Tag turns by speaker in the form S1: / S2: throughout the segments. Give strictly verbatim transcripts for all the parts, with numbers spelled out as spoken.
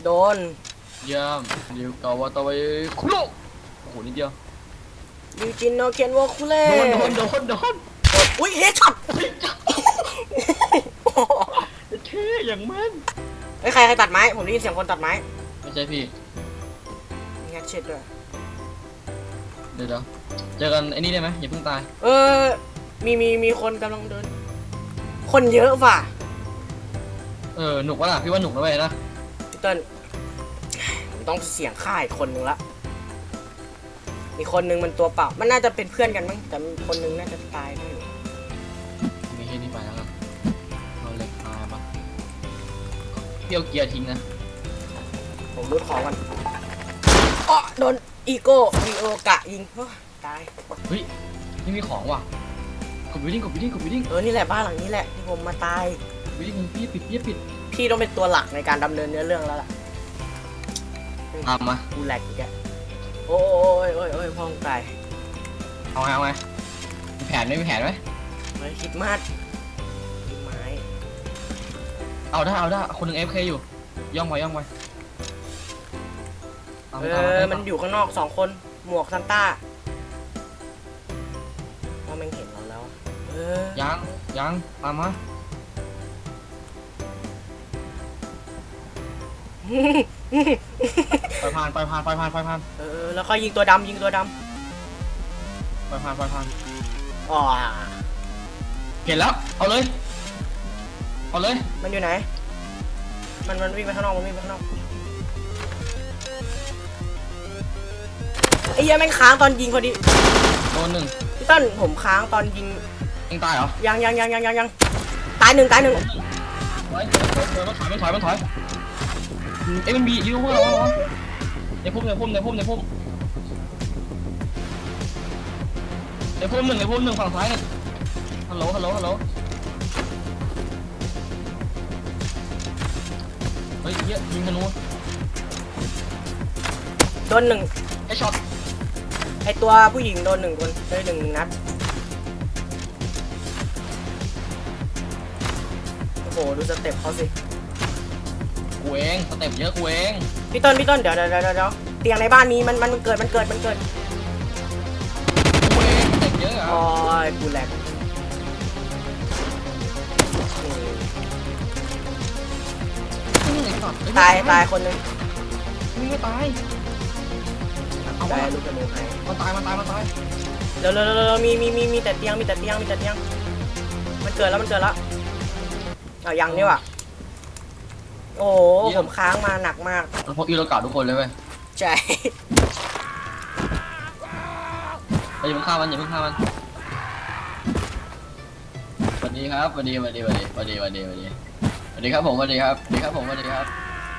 S1: โดน
S2: เยี่ยมเรียวกาวาตาไวคุโรโอ้โหนิดเดียว
S1: ยูจินโนเคนโวคุเล่
S2: โดนโดนโดนโดน
S1: อุ้ยเฮดช็อต
S2: เท่อย่างมัน
S1: เฮ้ยใครใครตัดไม้ผมได้ยินเสียงคนตัดไม้
S2: ไม่ใช่พี่
S1: มีแฮชเช็ดด้วย
S2: เดี๋ยวเดี๋ยวเจอกันไอ้นี่ได้ไหมอย่าเพิ่งตาย
S1: เออมีมีมีคนกำลังเดินคนเยอะว่ะ
S2: เออหนุกวะล่ะพี่ว่าหนุกนะเว้ยนะ
S1: พี่เติ้ลต้องเสียงฆ่าอีกคนนึงละมีคนนึงมันตัวเปล่ามันน่าจะเป็นเพื่อนกันมั้งแต่คนนึงน่าจะตายได้
S2: ไม่ใช่นี่ไปแล้วครับเอาเหล็กมาปะพี่เอาเกียร์ทิ้งนะ
S1: ผมรูดของกันอ๋อโดนอีโก้วีโอกะยิงตาย
S2: เฮ้ยนี่มีของว่ะกดวิดิ้งกดวิดิ้งกดวิดิ้ง
S1: เออนี่แหละบ้านหลังนี้แหละที่ผมมาตาย
S2: วิดิ้งพี่ปิดพี่ปิด
S1: พี่ต้องเป็นตัวหลักในการดำเนินเนื้อเรื่องแล้วล่ะ
S2: ตามมา
S1: กูแหลกอีกแกโอ้ยโอ้ยโอ้ยพ่องตาย
S2: เอาไงเอาไงมีแผนไม่มีแผนไหม
S1: ไม่คิดมากคิดไม้
S2: เอาได้เอาได้คนหนึ่ง เอฟ เค อยู่ย่องไว้ย่องไว้
S1: เออมันอยู่ข้างนอกสองคนหมวกซันต้าว่ามันเห็นเราแล้วเออ
S2: ยังยังตามมาไปผ่านไปผ่านไปผ่านไปผ่าน
S1: เออแล้วค่อยยิงตัวดำยิงตัวด
S2: ำไปผ่านไปผ่าน
S1: อ๋อ
S2: เห็นแล้วเอาเลยเอาเลย
S1: มันอยู่ไหนมันมันวิ่งไปข้างนอกมันวิ่งไปข้างนอกไอ้เหี้ยแม่งค้างตอนยิงพอดี
S2: โดนหนึ่ง
S1: พี่ต้นผมค้างตอนยิง
S2: ยิงตายเหรอ
S1: ยังยังยังยังยังยังตายหนึ่งตายหนึ่ง
S2: มันถอยมันถอยมันถอยเอ้ยมันบียิ้วพวกเราในพุ่มในพุ่มในพุ่มในพุ่มในพุ่มหนึ่งในพุ่มหนึ่งฝั่งซ้ายหนึ่งฮัลโหลฮัลโหลฮัลโหลเฮ้ยเยอะยิงธนู
S1: โดนหนึ่ง
S2: ไอช็อต
S1: ไอตัวผู้หญิงโดนหนึ่งคนได้หนึ่งนัดโอ้โหดูสเต็ปเขาสิ
S2: กูเองสเต็ปเยอะกูเอง
S1: พี่ต้นพี่ต้นเดี๋ยวเดี๋ยวเดี๋ยวเดี๋ยวเตียงในบ้านมีมันมันเกิดมันเกิดมันเกิด
S2: กูเองสเต็ปเยอะอ่ะ
S1: โอ้ยกูแหลกตายตายคนนึง
S2: ไม่ตาย
S1: เอาไปลูกกระโดดให้
S2: มันตายมันตายมันตาย
S1: เร็วเร็วเร็วมีมีมีมีแต่เตียงมีแต่เตียงมีแต่เตียงมันเกิดแล้วมันเกิดแล้วเอายังนี่ว่ะโอ้ผมค้างมาหนักมาก
S2: พวกอีโรกาทุกคนเลยเว้ย
S1: ใช่
S2: อย่าเพิ่งฆ่ามันอย่าเพิ่งฆ่ามันสวัสดีครับสวัสดีสวัสดีสวัสดีสวัสดีสวัสดีสวัสดีสวัสดีครับผมสวัสดีครับสวัสดีครับผมสวัสดีครับ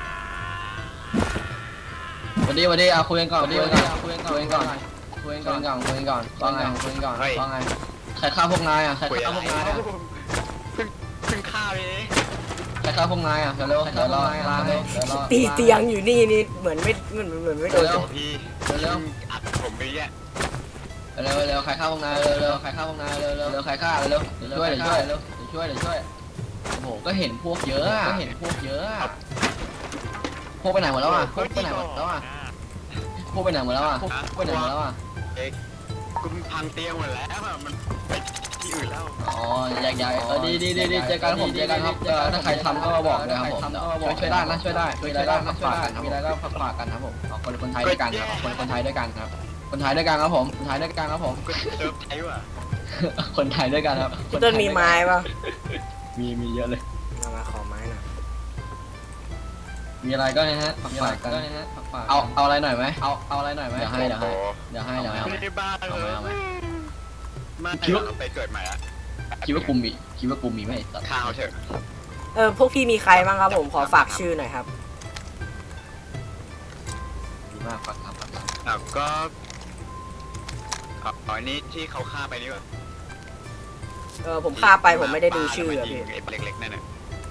S2: สวัสดีสวัสดีอ่ะคุยกันก่อนคุยกันก่อนคุยกันก่อนคุยกันก่อนคุยกันก่อนคุยกันก่อนว่าไงคุยกันก่อนว่าไงใครฆ่าพวกนายอ่ะใครฆ่าพวกนายอ่ะ
S3: เพิ่งเพิ่งฆ่าไปเอง
S2: ใครฆ่าพวกนายอ่ะเร็วเดี๋ยวรอลาเร็ว
S1: ตีเตียงอยู่นี่นี่เหมือนไม่เหมือนเหมือนไม่โดน
S3: พี่เร็วอัดผมไปแย่
S2: เร็วเร็วใครฆ่าพวกนายเร็วเร็วใครฆ่าพวกนายเร็วเร็วเร็วใครฆ่าเร็วช่วยเดี๋ยวช่วยเร็วเดี๋ยวช่วยเดี๋ยวช่วยโอ้โหก็เห็นพวกเยอะก็เห็นพวกเยอะพวกไปไหนหมดแล้วอ่ะพวกไปไหนหมดแล้วอ่ะพวกไปไหนหมดแล้วอ่ะพวกไปไหนหมดแล้วอ่ะ
S3: เอ็กกูพังเตียงหมดแล้วมันไปที่อื่นแล้ว
S2: อ๋อใหญ่ๆเออดีดีดีดีเจอกันผมเจอกันครับถ้าใครทำก็บอกเลยครับผมช่วยได้นะช่วยได้ช่วยได้ฝากฝากกันครับมีอะไรก็ฝากฝากกันครับผมคนคนไทยด้วยกันครับคนคนไทยด้วยกันครับคนไทยด้วยกันครับผมคนไทยด้วยกันครับผม
S3: เซิร์ฟไทยว่ะ
S2: คนไทยด้วยกันครับ
S1: พี่ต้นมีไม้ป่ะ
S2: มีมีเยอะเลย
S1: เอามาขอไม้หน่อย
S2: มีอะไรก็นะฮะฝากฝากกันเอาเอาอะไรหน่อยไหมเอาเอาอะไรหน่อยไหมเดี๋ยวให้เดี๋ยวให้เดี๋ยวให้เดี๋ยวให้
S3: ไม่ได้บ้าเลยมาคิดว่าไปเกิดใหม่อะ
S2: คิดว่ากูมีคิดว่ากูมีไหม
S3: ข้าวเถอะ
S1: เออพวกพี่มีใครบ้างครับผมขอฝากชื่อหน่อยครับ
S2: ดีมากฝากครับฝากครับ
S3: แล้วก็อ๋อนี่ที่เขาฆ่าไปนี่วะ
S1: เออผมฆ่าไปผมไม่ได้ดูชื่ออะพี่
S3: เล็กๆนั่นน่ะ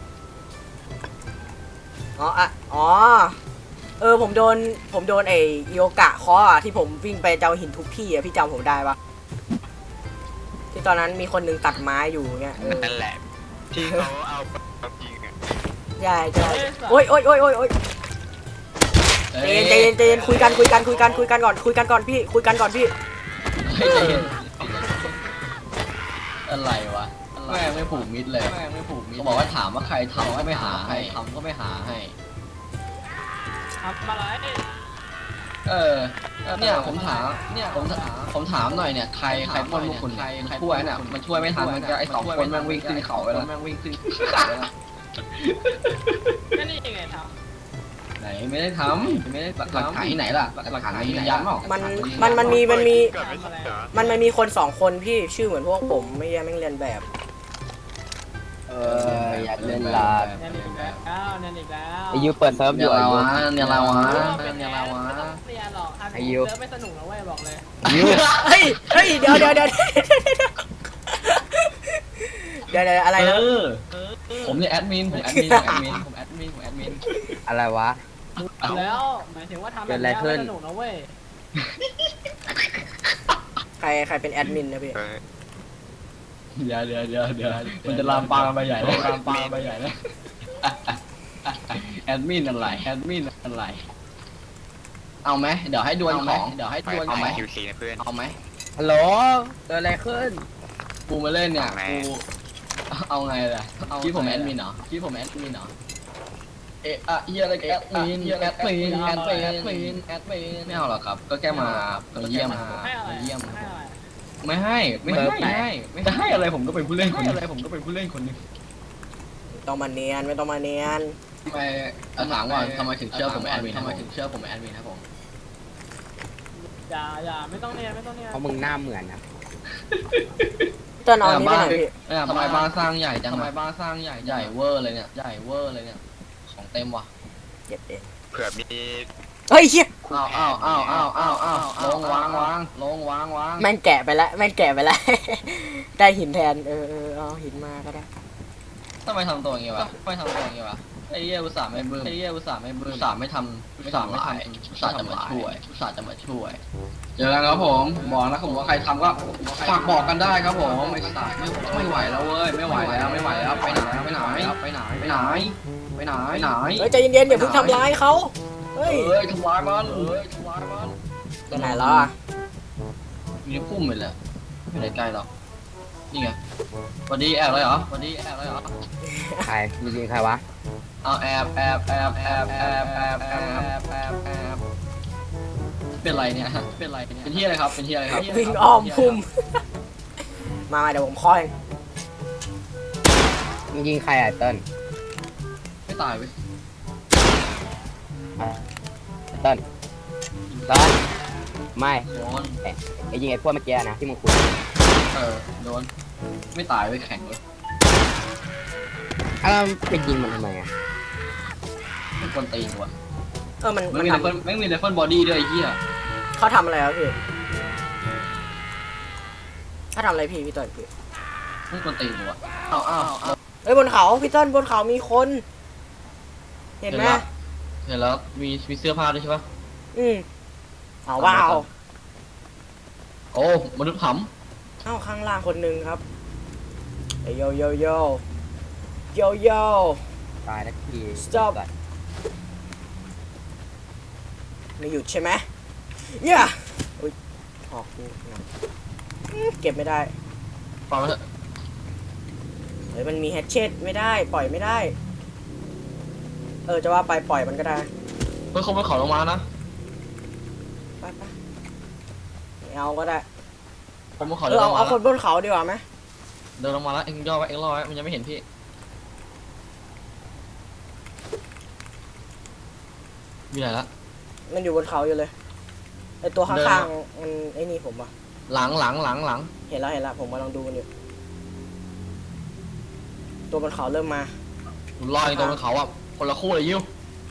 S1: อ๋ออะอ๋อเออผมโดนผมโดนไอ้โยกะเคาะอ่ะที่ผมวิ่งไปเจ้าหินทุกที่อ่ะพี่จำผมได้ปะที่ตอนนั้นมีคนนึงตัดไม้อยู่เงี้ย
S3: นั่นแหละที่เขาเอายิงอ่ะ
S1: ใช่ใช่โอ๊ยโอ๊ยโอ๊ยโอ๊ยโอ๊ยใจเย็นใจเย็นใจเย็นคุยกันคุยกันคุยกันคุยกันก่อนคุยกันก่อนพี่คุยกันก่อนพี่
S2: เฮ้ยใจเย็นอะไรวะแม่งไม่ผูกมิดเลยแม่งไม่ผูกมิดเขาบอกว่าถามว่าใครทำก็ไม่หาให้ทำก็ไม่หาให้
S4: ทำอะไร
S2: เออเนี่ยผมถามเนี่ยผมถามผมถามหน่อยเนี่ยใครใครปล้นพวกคุณใครช่วยเนี่ยมันช่วยไม่ทันมันจะไอ้สองคนแม่งวิ่งขึ้นเขาไปแล้วแม่งวิ่งขึ้นเขาไปแล้ว
S4: ก็นี่ยังไงท
S2: ไหนไม่ได้ทำไม่ได้หลักฐานที่ไหนล่ะหลักฐานยืนยันเปล่า
S1: มันมันมันมีมันมี
S3: เกิดไม่ใช่เหรอ
S1: มันมันมีคนสองคนพี่ชื่อเหมือนพวกผมไม่แย่แม่งเรียนแบบ
S5: เอออยากเล่นลาด
S4: ำแน่นอีกแล้วแน่นอีกแล้ว
S5: ไอายุเปิดเซิร์ฟอ
S2: เนี่ย
S5: ยู่อา
S2: เรา
S5: ยุ
S2: วะเนี่ยเราวะ
S4: เป็น
S2: เนี่ย
S4: ไง
S2: เราวะ
S4: ไม่ต้องเรียนหรอกทำ
S5: อายุ
S4: เซิร์ฟไม่สนุกนะเว้ยบอกเลย
S5: อายุ
S1: เฮ้ยเฮ้ยเดี๋ยวเดี๋ยวเดี๋ยวเดี๋ยวเดี๋ยวอะไรนะ
S2: เออผมเนี่ยแอดมินผมแอดมินผมแอดมินผมแอดมินผมแอดมิน
S5: อะไรวะ
S4: แล้วหมายถึงว่าทำ
S5: เกิ
S4: แบบ
S5: ดอะไร
S4: นี้
S5: ขึ้
S4: ไม่
S5: น
S4: สนุกนะเว้ย
S1: ใครใครเป็นแอดมินนะพี่
S3: เออ
S2: เดี๋ยวเดี๋ยวเดี๋ยวเดี๋ยวมันจะลามปามไปใหญ่เลยลามปามไปใหญ่เลยแอดมินอะไรแอดมินอะไรเอาไหมเดี๋ยวให้ดวลของเดี๋ยวให้
S3: ไป
S2: ดวล
S3: เอา
S2: ของ
S3: มาคิวซีนะเพื่อน
S2: เอาไหม
S5: ฮัลโหลเกิดอะไรขึ้น
S2: กูมาเล่นเนี่ย
S3: เอาไง
S2: กูเอาไงล่ะที่ผมแอดมินเหรอที่ผมแอดมินเหรอเอะอะเฮียอะไรแอดมินแอดมินแอดมินแอดมินแอดมินไม่เอาหรอกครับก็แค่มามาเยี่ยม
S4: ให้อะไร
S2: มาเยี่ยม
S4: ให้อะไร
S2: ไม่ให้ไม่ให้ไม่ให้ไม่ให้อะไรผมก็เป็นผู้เล่นคนอะไรผมก็เป็นผู้เล่นคนนึง
S1: ต้องมาเนียนไม่ต้องมาเนียน
S2: ทำไมถามว่าทำไมถึงเชื่อผมแอดมินทำไมถึงเชื่อผมแอดมินครับผม
S4: อย่าอย่าไม่ต้องเรียนไม่ต้องเรียน
S5: เพราะมึงหน้าเหมือนนะ
S1: เต้นเอาอันนี้ไปไหนพี่
S2: ทำไมบ้านสร้างใหญ่จังทำไมบ้านสร้างใหญ่ใหญ่เวอร์เลยเนี่ยใหญ่เวอร์เลยเนี่ยของเต็มว่ะ
S1: เจ็บเอง
S3: เผื่อมี
S1: เฮ้ยเชี่ย
S2: อ้าวอ้าวอ้าวอ้าวอ้าวอ้าวลงวางวางลงวางวาง
S1: แม่งแกะไปแล้วแม่งแกะไปแล้ว ได้หินแทนเออเออเอาหินมาก็ได้
S2: ทำไมทำตัวอย่างเงี้ยวะทำไมทำตัวอย่างเงี้ยวะไอ้เหี้ยอุตส่าห์ไม่บึ้มไอ้เหี้ยอุตส่าห์ไม่บึ้มอุตส่าห์ไม่ทำอุตส่าห์ไม่ทำอุตส่าห์จะมาช่วยอุตส่าห์จะมาช่วยเจอกันครับผมบอกนะครับผมว่าใครทำก็ฝากบอกกันได้ครับผมไอ้สัตว์ไม่ไม่ไหวแล้วเว้ยไม่ไหวแล้วไม่ไหวแล้วไปไหนไปไหนไปไหนไปไหนไปไหนไปไหน
S1: เฮ้ยใจเย็นๆอย่าเพิ่งทำร้ายเขาเฮ้ย
S2: เอ้ยทำร้ายมันเอ้ยทำร้ายมัน
S1: ไปไหนแล้วอ่ะ
S2: อยู่ในพุ่มเลยแหละไม่ได้ใกล้หรอกนี่ไงวันนี้แอบเลยเหรอวันนี้แอบเลยเหรอ
S5: ใครมึงยิงใครวะ
S2: เอาแอบแอบแอบแอบแอบแอบแอบแอบแอบแอบเป็นไรเนี่ยเป็นไรเนี่ยเป็นที่อะไรครับเป็นที่อะไรครับ
S1: วิ่งอ้อมพุ่ม มามาเดี๋ยวผมคอย
S5: มึงยิงใครอ่ะเติ้ล
S2: ไม่ตายเว้ย
S5: เติ้ลเติ้ลไม่
S2: โดน
S5: ไอ้ยิงไอ้พวกเมื่อกี้นะที่มึงคุย
S2: เออโดนไม่ตายเว้ยแข็งเลย
S5: อ้าวไปยิงมันทำไมอ่ะ
S2: ไม่คนตีนว่ะ
S1: เออมัน
S2: ไม่
S1: มัน
S2: มี
S1: ท
S2: ไรเฟิลไม่มีไรเฟิลบอดี้ด้วยไอ้เหี้ย
S1: ำเขาทำอะไรครับพี่เขาทำอะไรพี่พี่ต้นพี่
S2: ไม่คนตีนว่ะอ้าวอ้าวอ้าว
S1: เฮ้ยบนเขาพี่ต้นบนเขามีคน เห็นไหม
S2: เห็นแล้วมีมีเสื้อผ้าด้วยใช่ปะ
S1: อืมเอาว้าว
S2: โอ้มนุษย์ผ
S1: เอ้าข้างล่างคนหนึ่งครับเอ้ยโยโยโยโยโย
S5: ตายแล้วที
S1: Stop ไม่หยุดใช่ไหมเนี่ยอุ้ยออกกูนะอื้อเก็บไม่ได้
S2: ำฟังมาเถอะ
S1: เฮ้ยมันมีแฮชเชตไม่ได้ปล่อยไม่ได้ เออจะว่าไปปล่อยมันก็ได้
S2: เฮ้ยเขาไม่ขอลงมานะ
S1: ไปไปไม่เอาก็ได้
S2: ผมไม่ขอ
S1: เอ
S2: เดิ
S1: อน
S2: ล
S1: เอา
S2: งมา
S1: เอาค
S2: แล้ว
S1: นบนเขาดีกว่าไหม
S2: เดินลงมาแล้วเอ็งย่อไว้เอ็งรอไว้มันยังไม่เห็นพี่มีไหนละ
S1: มันอยู่บนเขาอยู่เลยไอตัวข้างๆมันไอ้นี่ผมอะ
S2: หลังหลังหลังหลัง
S1: เห็นแล้วเห็นแล้วผมกำลังดูมันอยู่ตัวบนเขาเริ่มมา
S2: ผมรออยู่ตรงบนเขาอ่ะคนละคู่เลยยิว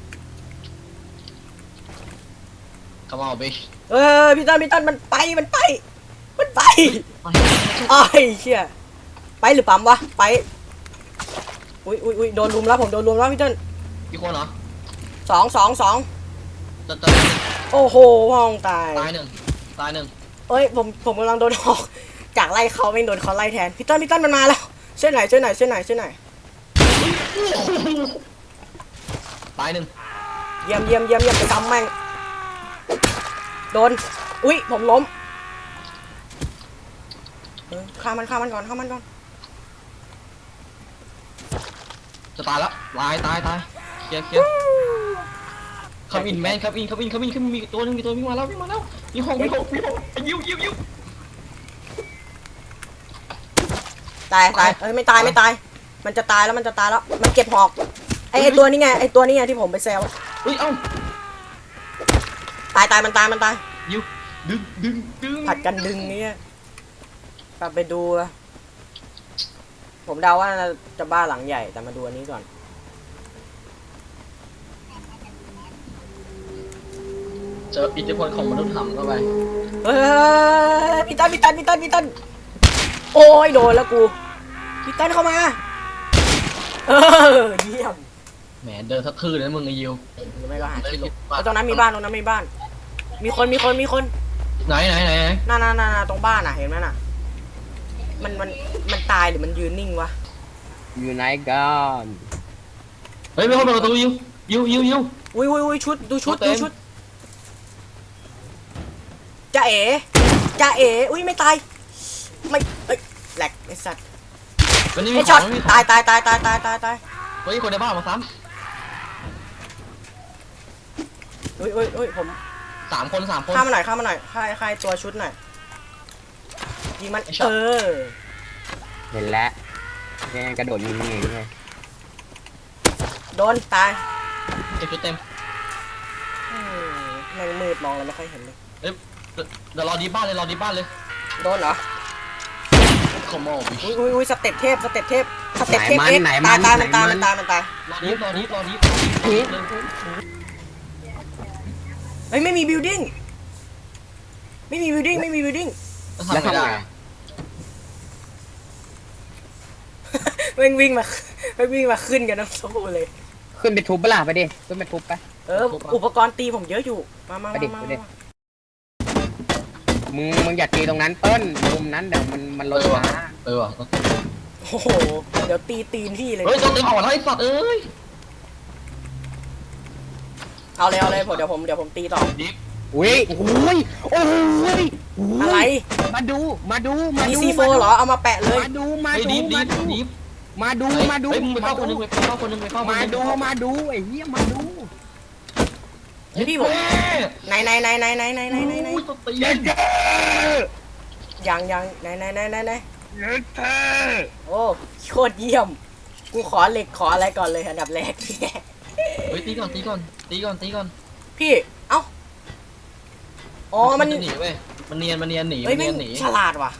S2: Come on bitch
S1: เออพี่ต้นพี่ต้นมันไปมันไป มันไปอ้ายเชี่ยไปหรือปั๊มวะไปอุ้ยอุ้ยอุ้ยโดนรุมแล้วผมโดนรุมแล้วพี่ต้น
S2: กี่คนเหรอ
S1: สองสองสอง
S2: จะจะ
S1: โอ้โหห้องตาย
S2: ตายหนึ่งตายหนึ่ง
S1: เอ้ยผมผมกำลังโดนหอกจากไล่เขาไม่โดนเขาไล่แทนพี่ต้นพี่ต้นมันมาแล้วช่วยหน่อยช่วยหน่อยช่วยหน่อยช่วยหน่อย
S2: ตายหนึ่ง
S1: เยี่ยมเยี่ยมเยี่ยมเยี่ยมไปซ้ำแม่งโดนอุ้ยผมล้มเออฆ่ามันฆ่ามันก่อนฆ่ามันก่อน
S2: จะตายแล้วตายตายตายเคลียร์เคลียร์คัมอินแมนคัมอินคัมอินคัมอินขึ้นมีตัวนึงมีตัววิ่งมาแล้ววิ่งมาแล้วมีหงมีหงมีหงยิวยิวยิว
S1: ตายตายเอ้ยไม่ตายไม่ตาย มันจะตายแล้วมันจะตายแล้วมันเก็บหอกไอไอตัวนี้ไงไอตัวนี้ไงที่ผมไปแซว
S2: เฮ้ยเอ้า
S1: ตายตายมันตายมันตาย
S2: ยิวดึงดึงดึง
S1: ผัดกันดึงเนี่ยกลับไปดูอะผมเดาว่าน่าจะบ้านหลังใหญ่แต่มาดูอันนี้ก่อน
S2: เจออิทธิพลของมนุษย์ถ้ำเข้าไป
S1: เฮ้ยพี่ตันพี่ตันพี่ตันพี่ตันโอ้ยโดนแล้วกูพี่ตันเข้ามาเออเยี่ยม
S2: แหมเดินสะทื่อเลยนะมึงไอ้ยิว
S1: หรือไม่ก็หาที่หลบแล้วตรงนั้นมีบ้านตรงนั้นมีบ้าน มีคนมีคนมีคน
S2: ไหนไหนไหนไหน
S1: น่าน่าน่าตรงบ้านอ่ะเห็นไหมน่ะมันมันมันตายหรือมันยืนนิ่งวะ
S5: อยู่ไหนกัน
S2: เฮ้ยไม่เข้าเปิดประตูยิวยิวยิวยิว
S1: อุ้ยอุ้ยอุ้ยชุดดูชุด
S2: เต็ม
S1: ดูชุดจ่าเอ๋จ่าเอ๋อุ้ยไม่ตายไม่เอ้ยแหลกไอ้สัตว์
S2: วันนี้มี
S1: ไอ้
S2: ข
S1: ช็
S2: อ
S1: อง ต
S2: ไม่มีข
S1: ตา
S2: อย ง
S1: ตายตายตายตายตายตาย
S2: เฮ้ยคนในบ้านมาซ้
S1: อุ้ยอุ้ยอุ้ยผม
S2: ำสามคนสามคน
S1: ข้ามมาหน่อยข้ามมาหน่อยค่ายค่ายตัวชุดหน่อยยิงมัน
S2: ไอ้ช็อ
S1: เอ
S2: ต
S1: อ
S5: เห็นแล้วยังไงกระโดดยิงอย่างไง
S1: โดนตาย
S2: เก็บชุดเต็ม
S1: อืมแม่งมืดมองแล้วไม่ค่อยเห็นเลย
S2: เอ้ยเดี๋ยวรอดีบ้านเลยรอดีบ้านเลย
S1: โดนเหรอ
S2: คอมโมบิ
S1: อุ้ยอุ้ยอุ้ยสเต็ปเทพสเต็ปเทพสเต็ปเทพ
S5: ไหน
S1: เอ็
S5: มัน
S1: ก
S5: ไหน
S1: ตาย
S5: มัน
S1: ตาย
S5: ไหน
S1: มันตาย
S5: มั
S1: มัน นตายมันตาย
S2: รอดีรอดีรอดี
S1: เฮ้ยไม่มีบิลดิ้งไม่มีบิลดิ้งไม่มีบิลดิ้ง
S5: แล้ว
S2: ทำไม่
S5: ทำ
S2: ได้
S5: ไง
S1: แม่งวิ่งมาแม่งวิ่งมาขึ้นกันทั้งสู้เลย
S5: ขึ้นไปทุบเปล่าไปดิขึ้นไปทุบไป
S1: เอออุปกรณ์ตีผมเยอะอยู่มามา
S5: ไป
S1: มา
S5: ดิ
S1: มา
S5: ไปดิ
S1: มา
S5: มึงมึงอย่าตีตรงนั้นเปิ้ลมุมนั้นเดี๋ยวมันมันลดช้า
S2: เออว่ะ
S1: โอ้โหเดี๋ยวตีตีนพี่เลย
S2: เฮ้ยตัวเต็มออกแล้วไอ้สัตว์เอ้ย
S1: เอาเลยเอาเลยผมเดี๋ยวผมเดี๋ยวผมตีต่อ
S2: ดิฟ
S5: อุ้ยโอ้ยโอ้ย
S1: อะไร
S5: มาดูมาดูมา
S1: มี
S5: ดู
S1: ซีโฟเหรอเอามาแปะเลย
S5: มาดูมา
S2: ไอ้
S5: ดู
S2: ดิฟดิ
S5: มา
S2: ฟ
S5: ดู
S2: ดิฟ
S5: มาดูมาดู
S2: เฮ้ยมึงไปเข้าคนนึง
S5: มา
S2: ไปเข้าคนนึงไปเข้าคน
S5: มา
S2: นึง
S5: ดูมาดูไอ้เหี้ยมาดู
S1: เฮ้ยพี่ผมไหนไหนไหนไหนไหนไหนไหนไหนไหน
S2: อุ้ยตัวตี
S5: เย้
S2: น
S5: เย้
S1: ยังยังไหนไหนไหนไหนไหน
S5: เย้เย้
S1: โอ้โคตรเยี่ยมกูขอเหล็กขออะไรก่อนเลยอันดับแรก
S2: เฮ้ยตีก่อนตีก่อนตีก่อนตีก่อน
S1: พี่เอ้าอ๋อมัน
S2: จะหนีเว้ยมันเนียนมันเนียนหนี
S1: เฮ้
S2: มั
S1: ย
S2: น
S1: แม่
S2: เนีย
S1: ง
S2: นหนี
S1: ฉลาดว่ะ